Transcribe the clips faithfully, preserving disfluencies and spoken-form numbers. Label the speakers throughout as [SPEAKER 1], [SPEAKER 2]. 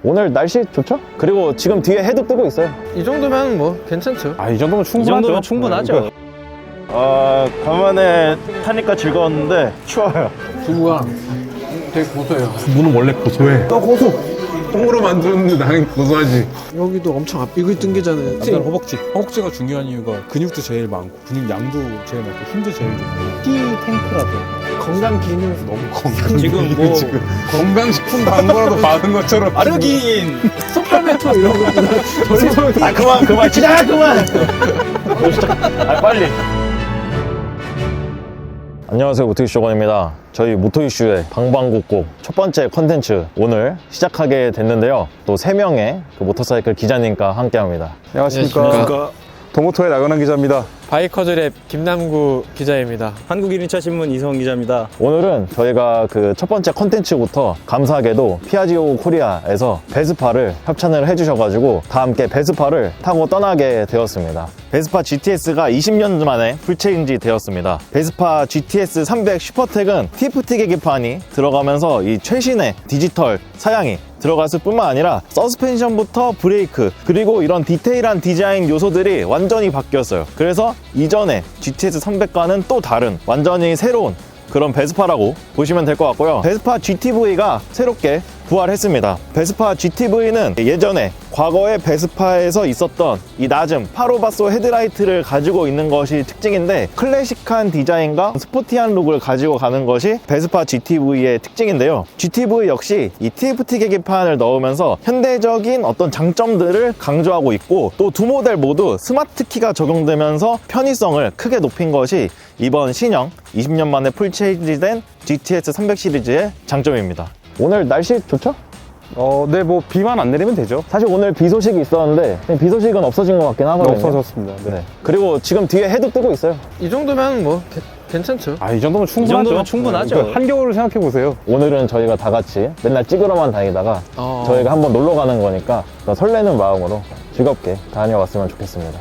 [SPEAKER 1] 오늘 날씨 좋죠? 그리고 지금 뒤에 해도 뜨고 있어요.
[SPEAKER 2] 이 정도면 뭐 괜찮죠.
[SPEAKER 3] 아, 이 정도면
[SPEAKER 4] 이
[SPEAKER 3] 충분하죠.
[SPEAKER 4] 정도면 충분하죠.
[SPEAKER 5] 아, 간만에 타니까 즐거웠는데 추워요.
[SPEAKER 2] 두부가 되게 고소해요.
[SPEAKER 3] 두부는 원래 고소해. 너 고소. 똥으로 만들었는데 나는 고소하지.
[SPEAKER 2] 여기도 엄청 앞비글 뜬게잖아요.
[SPEAKER 6] 남자는 허벅지. 허벅지가 중요한 이유가 근육도 제일 많고 근육 양도 제일 많고 힘도 제일 좋고 티 탱크라서
[SPEAKER 2] 건강 기능에서 너무 건강.
[SPEAKER 4] 지금 뭐
[SPEAKER 3] 건강식품 광고라도 받은 것처럼.
[SPEAKER 4] 아르긴
[SPEAKER 2] 소팔메토 이런 것보다
[SPEAKER 5] 아, 그만, 그만, 진짜 그만! 아, 빨리.
[SPEAKER 1] 안녕하세요, 모토이슈원입니다. 저희 모토이슈의 방방곡곡 첫 번째 컨텐츠 오늘 시작하게 됐는데요. 또 세 명의 그 모터사이클 기자님과 함께 합니다.
[SPEAKER 3] 안녕하십니까. 도모토의 나건한 기자입니다.
[SPEAKER 2] 바이커즈랩 김남구 기자입니다.
[SPEAKER 4] 한국 일 인차 신문 이성훈 기자입니다.
[SPEAKER 1] 오늘은 저희가 그 첫 번째 컨텐츠부터 감사하게도 피아지오 코리아에서 베스파를 협찬을 해주셔가지고 다 함께 베스파를 타고 떠나게 되었습니다. 베스파 지티에스가 이십 년 만에 풀체인지 되었습니다. 베스파 지티에스 삼백 슈퍼텍은 티에프티 계기판이 들어가면서 이 최신의 디지털 사양이 들어갔을 뿐만 아니라 서스펜션부터 브레이크 그리고 이런 디테일한 디자인 요소들이 완전히 바뀌었어요. 그래서 이전에 지티에스 삼백과는 또 다른 완전히 새로운 그런 베스파라고 보시면 될 것 같고요. 베스파 지티브이가 새롭게 부활했습니다. 베스파 지티브이는 예전에 과거의 베스파에서 있었던 이 낮은 파로바소 헤드라이트를 가지고 있는 것이 특징인데 클래식한 디자인과 스포티한 룩을 가지고 가는 것이 베스파 지티브이의 특징인데요. 지티브이 역시 이 티에프티 계기판을 넣으면서 현대적인 어떤 장점들을 강조하고 있고 또 두 모델 모두 스마트 키가 적용되면서 편의성을 크게 높인 것이 이번 신형 이십 년 만에 풀체인지된 지티에스 삼백 시리즈의 장점입니다. 오늘 날씨 좋죠?
[SPEAKER 3] 어, 네, 뭐 비만 안 내리면 되죠.
[SPEAKER 1] 사실 오늘 비 소식이 있었는데 비 소식은 없어진 것 같긴 하거든요.
[SPEAKER 3] 없어졌습니다. 네.
[SPEAKER 1] 네. 그리고 지금 뒤에 해도 뜨고 있어요.
[SPEAKER 2] 이 정도면 뭐 게, 괜찮죠.
[SPEAKER 3] 아, 이 정도면 충분하죠.
[SPEAKER 4] 정도면 충분하죠.
[SPEAKER 3] 그 한겨울을 생각해 보세요.
[SPEAKER 1] 오늘은 저희가 다 같이 맨날 찍으러만 다니다가
[SPEAKER 2] 어.
[SPEAKER 1] 저희가 한번 놀러 가는 거니까 설레는 마음으로 즐겁게 다녀왔으면 좋겠습니다.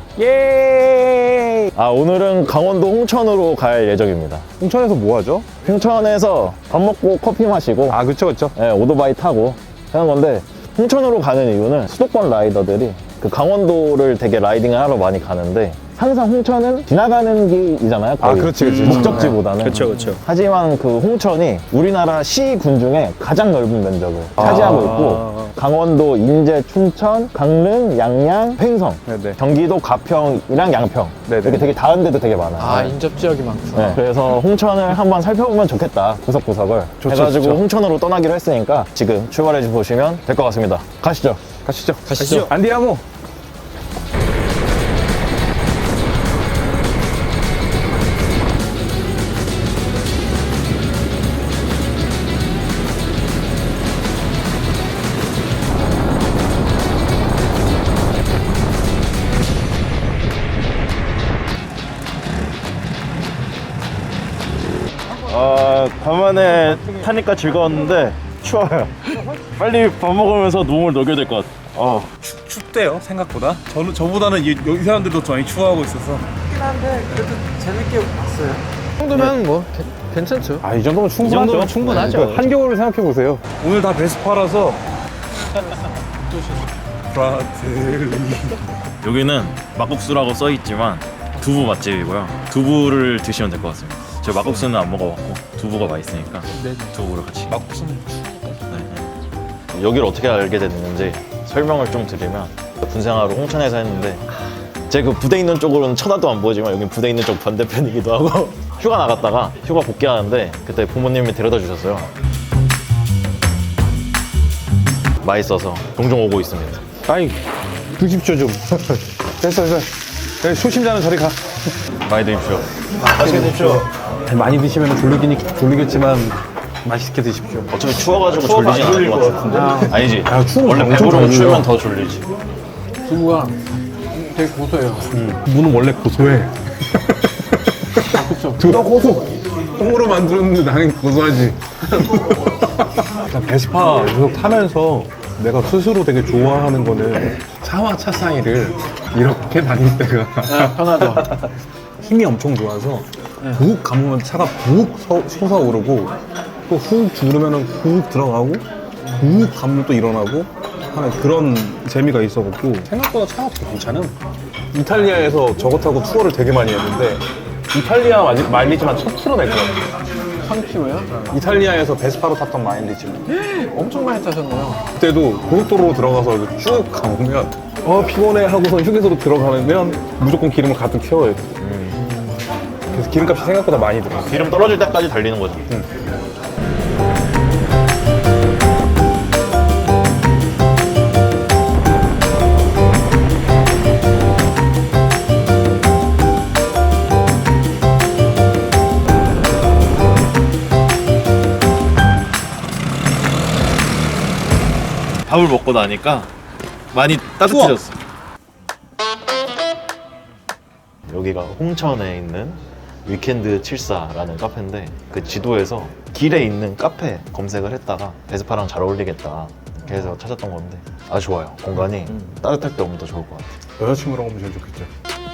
[SPEAKER 1] 예! 아, 오늘은 강원도 홍천으로 갈 예정입니다.
[SPEAKER 3] 홍천에서 뭐 하죠?
[SPEAKER 1] 홍천에서 밥 먹고 커피 마시고
[SPEAKER 3] 아, 그쵸, 그쵸.
[SPEAKER 1] 네, 오토바이 타고 하는 건데 홍천으로 가는 이유는 수도권 라이더들이 그 강원도를 되게 라이딩을 하러 많이 가는데 항상 홍천은 지나가는 길이잖아요. 거의.
[SPEAKER 3] 아, 그렇지, 그렇지.
[SPEAKER 1] 목적지보다는.
[SPEAKER 4] 그렇죠, 그렇죠.
[SPEAKER 1] 하지만 그 홍천이 우리나라 시군 중에 가장 넓은 면적을 차지하고 있고 강원도, 인제, 춘천, 강릉, 양양, 횡성,
[SPEAKER 3] 네네.
[SPEAKER 1] 경기도 가평이랑 양평
[SPEAKER 3] 네네.
[SPEAKER 1] 이렇게 되게 닿은 데도 되게 많아요.
[SPEAKER 2] 아 인접 지역이 많구나.
[SPEAKER 1] 네, 그래서 홍천을 한번 살펴보면 좋겠다, 구석구석을
[SPEAKER 3] 좋죠,
[SPEAKER 1] 해가지고
[SPEAKER 3] 좋죠.
[SPEAKER 1] 홍천으로 떠나기로 했으니까 지금 출발해 보시면 될 것 같습니다. 가시죠.
[SPEAKER 3] 가시죠.
[SPEAKER 4] 가시죠.
[SPEAKER 3] 안디아모.
[SPEAKER 5] 아, 간만에 타니까 즐거웠는데 추워요. 빨리 밥 먹으면서 몸을 녹여야 될 것 같아. 어.
[SPEAKER 7] 춥대요 생각보다. 저는 저보다는 이, 이 사람들도 많이 추워하고 있어서.
[SPEAKER 2] 그렇긴 한데 그래도 재밌게 봤어요. 이 정도면 뭐 게, 괜찮죠.
[SPEAKER 3] 아, 이 정도면
[SPEAKER 4] 이
[SPEAKER 3] 충분하죠.
[SPEAKER 4] 정도면 충분하죠.
[SPEAKER 3] 그 한겨울을 생각해 보세요.
[SPEAKER 7] 오늘 다 베스파라서. 브라틀리.
[SPEAKER 8] 여기는 막국수라고 써있지만 두부 맛집이고요. 두부를 드시면 될 것 같습니다. 저 막국수는 안 먹어봤고 두부가 맛있으니까 두부를 같이.
[SPEAKER 4] 막국수는
[SPEAKER 1] 여기를 어떻게 알게 됐는지 설명을 좀 드리면 군생활을 홍천에서 했는데 제 그 부대 있는 쪽으로는 쳐다도 안 보이지만 여기 부대 있는 쪽 반대편이기도 하고 휴가 나갔다가 휴가 복귀하는데 그때 부모님이 데려다 주셨어요. 맛있어서 종종 오고 있습니다.
[SPEAKER 3] 아이, 드십시오, 좀. 됐어, 됐어. 여기 초심자는 저리 가.
[SPEAKER 1] 많이 드십시오.
[SPEAKER 3] 맛있게 드십시오. 많이 드시면 졸리긴, 졸리겠지만 맛있게 드십시오.
[SPEAKER 1] 어차피 추워가지고 졸리진 않을 것 같은데. 아니지.
[SPEAKER 3] 아, 추우면
[SPEAKER 1] 원래
[SPEAKER 3] 엄청
[SPEAKER 1] 배부르면
[SPEAKER 3] 졸려요.
[SPEAKER 1] 추우면 더 졸리지.
[SPEAKER 2] 두부가 되게 고소해요.
[SPEAKER 3] 두부는 원래 고소해.
[SPEAKER 2] 그렇죠.
[SPEAKER 3] 너 고소. 똥으로 만들었는데 나는 고소하지. 베스파 계속 타면서 내가 스스로 되게 좋아하는 거는 차와 차 사이를 이렇게 다닐 때가
[SPEAKER 2] 네, 편하죠.
[SPEAKER 3] 힘이 엄청 좋아서 훅 감으면 차가 훅 솟아오르고 또 훅 누르면 훅 들어가고 훅 감으면 또 일어나고 하는 그런 재미가 있어갖고 생각보다 차가 되게 괜찮음. 이탈리아에서 저거 타고 투어를 되게 많이 했는데 이탈리아 마일- 마일리지만 천 킬로미터 낼 것 같아요.
[SPEAKER 2] 천 킬로요?
[SPEAKER 3] 이탈리아에서 베스파로 탔던 마일리지만
[SPEAKER 2] 엄청 많이 타셨네요.
[SPEAKER 3] 그때도 고속도로로 들어가서 이렇게 쭉 가보면 어 피곤해 하고서 휴게소로 들어가면 무조건 기름을 가득 채워야 돼. 그래서 기름값이 생각보다 많이 들어.
[SPEAKER 1] 기름 떨어질 때까지 달리는 거죠. 밥을 먹고 나니까 많이 따뜻해졌어. 여기가 홍천에 있는 위켄드 칠사라는 카페인데 그 지도에서 길에 있는 카페 검색을 했다가 베스파랑 잘 어울리겠다 이렇게 해서 찾았던 건데 아주 좋아요. 공간이 따뜻할 때 오면 더 좋을 것 같아요.
[SPEAKER 3] 여자친구랑 오면 제일 좋겠죠.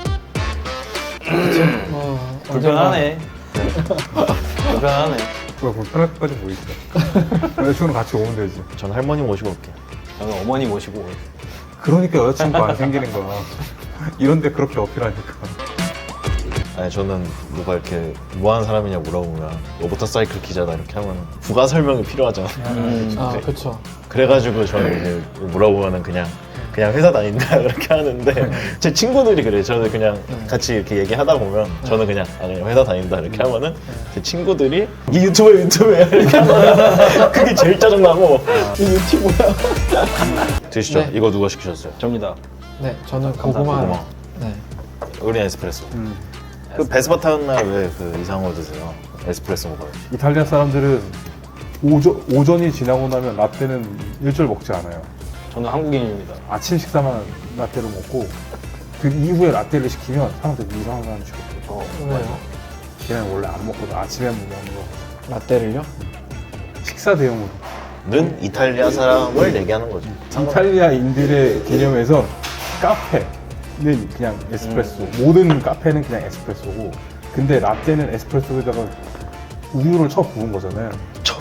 [SPEAKER 2] 어,
[SPEAKER 4] 불편하네. 불편하네.
[SPEAKER 3] 그거 불편할 때까지 보이죠. 여자친구랑 같이 오면 되지.
[SPEAKER 1] 전 할머니 모시고 올게요.
[SPEAKER 4] 저는 어머니 모시고 오겠습니다.
[SPEAKER 3] 그러니까 여자친구 안 생기는 거야. 이런데 그렇게 어필하니까.
[SPEAKER 1] 아니 저는 누가 이렇게 뭐 하는 사람이냐 물어보면 로보터사이클 기자다 이렇게 하면 부가 설명이 필요하잖아.
[SPEAKER 2] 아, 그쵸.
[SPEAKER 1] 그래가지고 저는 이제 물어보면은 그냥 그냥 회사 다닌다 그렇게 하는데 제 친구들이 그래요. 저는 그냥 같이 이렇게 얘기하다 보면 저는 그냥 아 그냥 회사 다닌다 이렇게 하면은 제 친구들이 이 유튜브야 유튜브야 이렇게 하면 그게 제일 짜증나고 이 유튜브야. 드시죠.
[SPEAKER 2] 네.
[SPEAKER 1] 이거 누가 시키셨어요?
[SPEAKER 4] 접니다.
[SPEAKER 2] 네, 저는 고구마.
[SPEAKER 1] 고구마.
[SPEAKER 2] 네.
[SPEAKER 1] 우리 에스프레소. 그 베스파 타는 날 왜 그 이상한 거 드세요? 에스프레소 먹어요.
[SPEAKER 3] 이탈리아 사람들은 오전, 오전이 지나고 나면 라떼는 일절 먹지 않아요.
[SPEAKER 4] 저는 한국인입니다.
[SPEAKER 3] 아침 식사만 라떼를 먹고 그 이후에 라떼를 시키면 사람들이 이상한 사람 시켰고
[SPEAKER 2] 왜요?
[SPEAKER 3] 걔는 원래 안 먹거든. 아침에 먹는 거.
[SPEAKER 2] 라떼를요?
[SPEAKER 3] 식사 대용으로.
[SPEAKER 1] 는 이탈리아 사람을 얘기하는 거죠.
[SPEAKER 3] 이탈리아인들의 개념에서 카페는 그냥 에스프레소, 모든 카페는 그냥 에스프레소고, 근데 라떼는 에스프레소에다가 우유를 쳐 부은 거잖아요.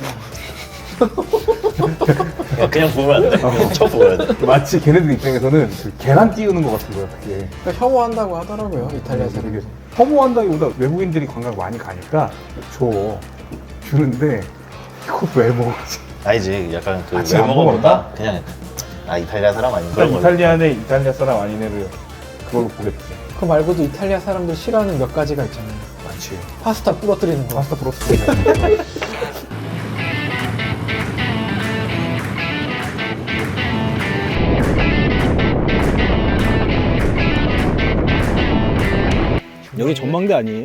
[SPEAKER 1] 그냥, 그냥 부으면 안 돼. 그냥 쳐 부어야 돼.
[SPEAKER 3] 마치 걔네들 입장에서는 그 계란 띄우는 것 같은 거야, 그게.
[SPEAKER 2] 그러니까 혐오한다고 하더라고요, 이탈리아
[SPEAKER 3] 이게
[SPEAKER 2] 사람들.
[SPEAKER 3] 혐오한다기보다 외국인들이 관광 많이 가니까 줘 주는데 이거 왜 먹지?
[SPEAKER 1] 아니지. 약간 그
[SPEAKER 3] 아침 안
[SPEAKER 1] 외모보다 그냥 아 이탈리아 사람 아닌가?
[SPEAKER 3] 그러니까 이탈리아는 이탈리아 사람 아닌 애를 그걸로 보겠지.
[SPEAKER 2] 그 말고도 이탈리아 사람들 싫어하는 몇 가지가 있잖아요.
[SPEAKER 3] 많지.
[SPEAKER 2] 파스타 부러뜨리는 거.
[SPEAKER 3] 파스타 브로스트.
[SPEAKER 4] 여기 전망대 아니에요?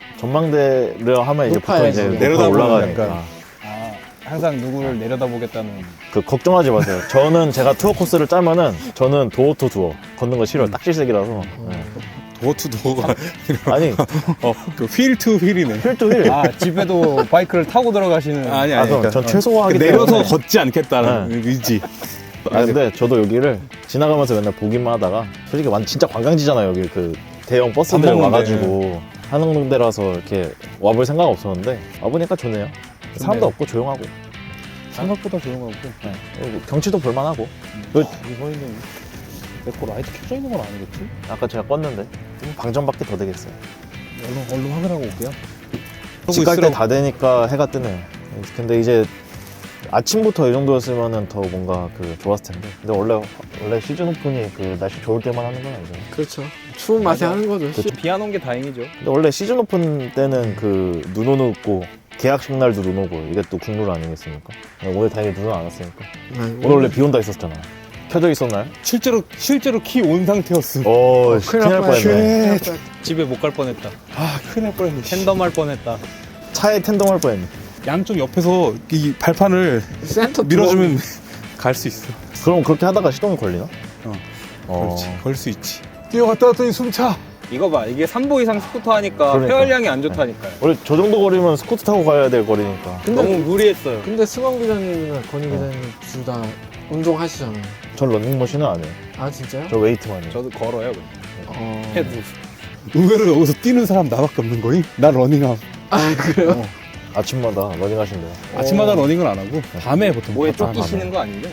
[SPEAKER 1] 전망대를 하면 이제 보통
[SPEAKER 2] 높아야지.
[SPEAKER 1] 이제
[SPEAKER 3] 내려다보면
[SPEAKER 1] 올라가니까
[SPEAKER 3] 약간.
[SPEAKER 4] 아, 항상 누구를 내려다보겠다는.
[SPEAKER 1] 그 걱정하지 마세요. 저는 제가 투어 코스를 짜면은 저는 도어 투 도어 걷는 거 싫어요. 딱질색이라서. 네.
[SPEAKER 6] 도어투 도어가
[SPEAKER 1] 아니
[SPEAKER 6] 어그휠투 휠이네.
[SPEAKER 1] 휠 투 휠.
[SPEAKER 4] 아, 집에도 바이크를 타고 들어가시는.
[SPEAKER 6] 아니
[SPEAKER 1] 아,
[SPEAKER 6] 아니.
[SPEAKER 1] 그럼
[SPEAKER 6] 그러니까
[SPEAKER 1] 전 최소화하기
[SPEAKER 6] 내려서
[SPEAKER 1] 때문에.
[SPEAKER 6] 걷지 않겠다는
[SPEAKER 1] 네.
[SPEAKER 6] 의지.
[SPEAKER 1] 아 근데 저도 여기를 지나가면서 맨날 보기만 하다가 솔직히 완 진짜 관광지잖아요. 여기 그 대형 버스들
[SPEAKER 6] 밥 먹는데.
[SPEAKER 1] 와가지고 하는 데라서 이렇게 와볼 생각 없었는데 와보니까 좋네요. 사람도 없고 조용하고
[SPEAKER 6] 생각보다 조용하고.
[SPEAKER 1] 네. 그리고 경치도 볼만하고. 그
[SPEAKER 6] 이번에는 내거 라이트 켜져 있는 건 아니겠지?
[SPEAKER 1] 아까 제가 껐는데 방전밖에 더 되겠어요.
[SPEAKER 6] 얼른 얼른 확인하고 올게요.
[SPEAKER 1] 집 갈 때 다 되니까 해가 뜨네요. 근데 이제 아침부터 이 정도였으면 더 뭔가 그 좋았을 텐데. 근데 원래 원래 시즌 오픈이 그 날씨 좋을 때만 하는 건 아니죠.
[SPEAKER 2] 그렇죠. 추운 맛에 하는 거죠.
[SPEAKER 4] 비 안 온 게 다행이죠.
[SPEAKER 1] 근데 원래 시즌 오픈 때는 그 눈 오는 고 계약식 날도 눈 오고 이게 또 국룰 아니겠습니까? 오늘 다행히 눈은 안 왔으니까. 오늘 원래 비 온다 했었잖아. 켜져 있었나요?
[SPEAKER 6] 실제로 실제로 키 온 상태였어.
[SPEAKER 1] 오, 큰일 날 뻔했네.
[SPEAKER 4] 집에 못 갈 뻔했다.
[SPEAKER 6] 아 큰일 날 뻔했네.
[SPEAKER 4] 텐덤 할 뻔했다.
[SPEAKER 1] 차에 텐동 할 뻔했네.
[SPEAKER 6] 양쪽 옆에서 이 발판을
[SPEAKER 2] 센터
[SPEAKER 6] 밀어주면 갈 수 있어.
[SPEAKER 1] 그럼 그렇게 하다가 시동이 걸리나?
[SPEAKER 6] 어.
[SPEAKER 1] 어.
[SPEAKER 6] 그렇지. 걸 수 있지.
[SPEAKER 3] 뛰어갔다 왔더니 숨차.
[SPEAKER 4] 이거 봐, 이게 삼 보 이상 스쿠터 하니까
[SPEAKER 1] 그러니까.
[SPEAKER 4] 폐활량이 안 좋다니까요.
[SPEAKER 1] 원래 저 정도 거리면 스쿠터 타고 가야 될 거리니까.
[SPEAKER 4] 너무 무리했어요.
[SPEAKER 2] 근데 승원 기자님이나 건희 기자님 둘 다 운동하시잖아요.
[SPEAKER 1] 전 런닝머신은 안 해요.
[SPEAKER 2] 아, 진짜요?
[SPEAKER 1] 저 웨이트만 해요.
[SPEAKER 4] 저도 걸어요, 그냥.
[SPEAKER 2] 어...
[SPEAKER 4] 해도.
[SPEAKER 6] 의외로 여기서 뛰는 사람 나밖에 없는 거임? 나 러닝함.
[SPEAKER 2] 아, 그래요?
[SPEAKER 1] 아침마다 러닝 하신대요.
[SPEAKER 6] 아침마다 러닝을 안 하고 밤에 보통.
[SPEAKER 4] 뭐에
[SPEAKER 6] 갔다
[SPEAKER 4] 쫓기시는 거 아니죠?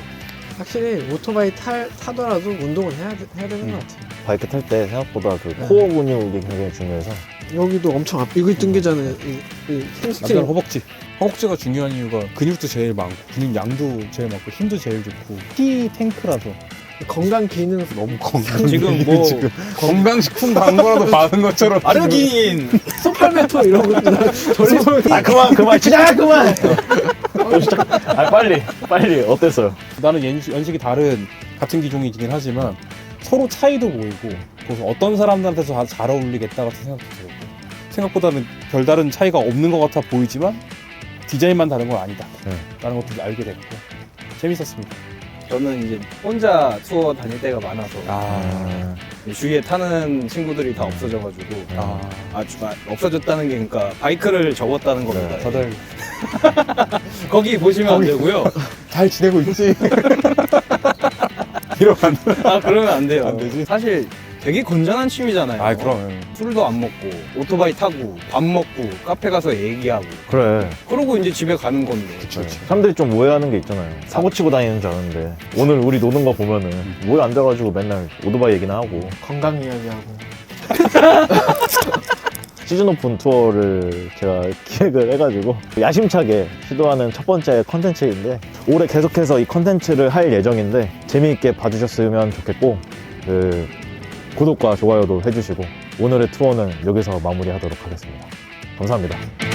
[SPEAKER 2] 확실히 오토바이 탈, 타더라도 운동은 해야, 돼- 해야 되는 것 같아요.
[SPEAKER 1] 바이크 탈 때 생각보다 그 코어 근육이 굉장히 중요해서
[SPEAKER 2] 여기도 엄청 앞, 이거 뜬게잖아요. 이, 이 햄스트링.
[SPEAKER 6] 남자는 허벅지. 허벅지가 중요한 이유가 근육도 제일 많고 근육 양도 제일 많고 힘도 제일 좋고 피 탱크라서
[SPEAKER 2] 건강 기능
[SPEAKER 6] 너무 건강.
[SPEAKER 4] 지금 뭐
[SPEAKER 3] 건강식품 광고라도 받은 것처럼.
[SPEAKER 4] 아르기닌
[SPEAKER 2] 소팔메토 이런 것도 돌리면
[SPEAKER 1] 아 그만 그만 시작 그만 또 시작 아 빨리 빨리 어땠어요?
[SPEAKER 6] 나는 연식, 연식이 다른 같은 기종이긴 하지만 서로 차이도 보이고 그래서 어떤 사람들한테서 다 잘 어울리겠다 같은 생각도 들고 생각보다는 별다른 차이가 없는 것 같아 보이지만 디자인만 다른 건 아니다
[SPEAKER 1] 네.
[SPEAKER 6] 라는 것도 알게 됐고 재밌었습니다.
[SPEAKER 4] 저는 이제 혼자 투어 다닐 때가 많아서
[SPEAKER 1] 아,
[SPEAKER 4] 주위에 타는 친구들이 다 없어져가지고
[SPEAKER 6] 아,
[SPEAKER 4] 아, 주- 아, 없어졌다는 게 그러니까 바이크를 접었다는 겁니다.
[SPEAKER 6] 다들
[SPEAKER 4] 거기 보시면 안 되고요.
[SPEAKER 6] 잘 지내고 있지?
[SPEAKER 4] 아 그러면 안 돼요. 안 되지. 사실 되게 건전한 취미잖아요.
[SPEAKER 6] 아 그럼
[SPEAKER 4] 술도 안 먹고 오토바이 타고 밥 먹고 카페 가서 얘기하고
[SPEAKER 1] 그래
[SPEAKER 4] 그러고 이제 집에 가는 건데.
[SPEAKER 1] 네. 사람들이 좀 오해하는 게 있잖아요. 사고 치고 다니는 줄 아는데 오늘 우리 노는 거 보면은 모여 앉아가지고 맨날 오토바이 얘기나 하고
[SPEAKER 2] 건강 이야기하고.
[SPEAKER 1] 시즌 오픈 투어를 제가 기획을 해가지고 야심차게 시도하는 첫 번째 컨텐츠인데 올해 계속해서 이 컨텐츠를 할 예정인데 재미있게 봐주셨으면 좋겠고 그 구독과 좋아요도 해주시고 오늘의 투어는 여기서 마무리하도록 하겠습니다. 감사합니다.